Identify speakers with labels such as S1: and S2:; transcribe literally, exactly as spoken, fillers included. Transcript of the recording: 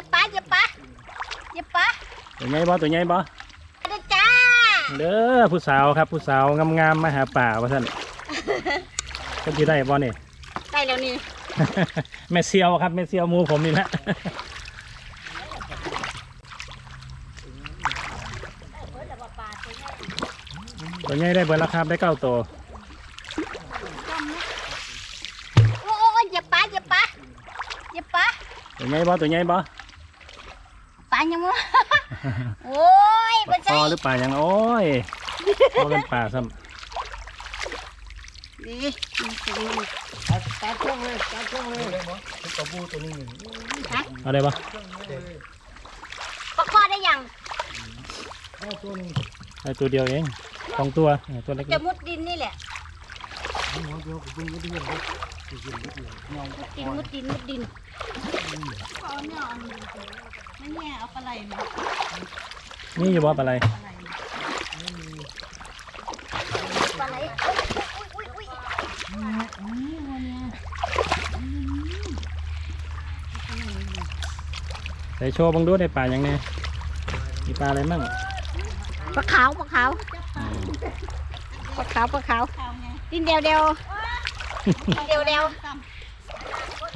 S1: บปะเหยียบปะเหยียบปะ
S2: ตัวใหญ่บ่ตัวใหญ่บ่
S1: เด้อจ้า
S2: เด้อผู้สาวครับผู้สาวงามๆมาหาป่าว่าท่านก็จะได้บ่เนี่ย
S1: ได้แล้วนี่
S2: แม่เซียวครับแม่เซียวมูผมนี่แหละตัวใหญ่ได้เบอร์ราคาได้เก้าตัว
S1: โอ้ยเหยียบปะเหยียบปะเหยียบปะ
S2: ตัวใหญ่บ่ตัวใหญ่บ่
S1: ปลายังมั้งโอ้ย
S2: ปลาคอหรือปลายังโอ้ยพอเป็นปลาซ้ำ
S1: ดี
S3: ตัดตัดช่องเลยตัดช่องเลยกระบูตัวนี้
S2: เอาได้ปะ
S1: ปลาคอได้ยัง
S2: ได้ตัวเดียวเองสองตัวตัวเล็ก
S1: จะมุดดินนี่แหละมุดดินมุดดินมุดดินเอาเนี่ยไม่แง่เอาปลาไหลมา
S2: นี่อยู่ว่าปลาไหล
S1: ปลาไหลอุ้ยอุ้ย
S2: ใส่โชว์บังดูได้ปลาอย่างนี้มีปลาอะไรมั่ง
S1: ปลาขาวปลาขาวปลาขาวปลาขาวดินเดียวเดียวเดียวเดียว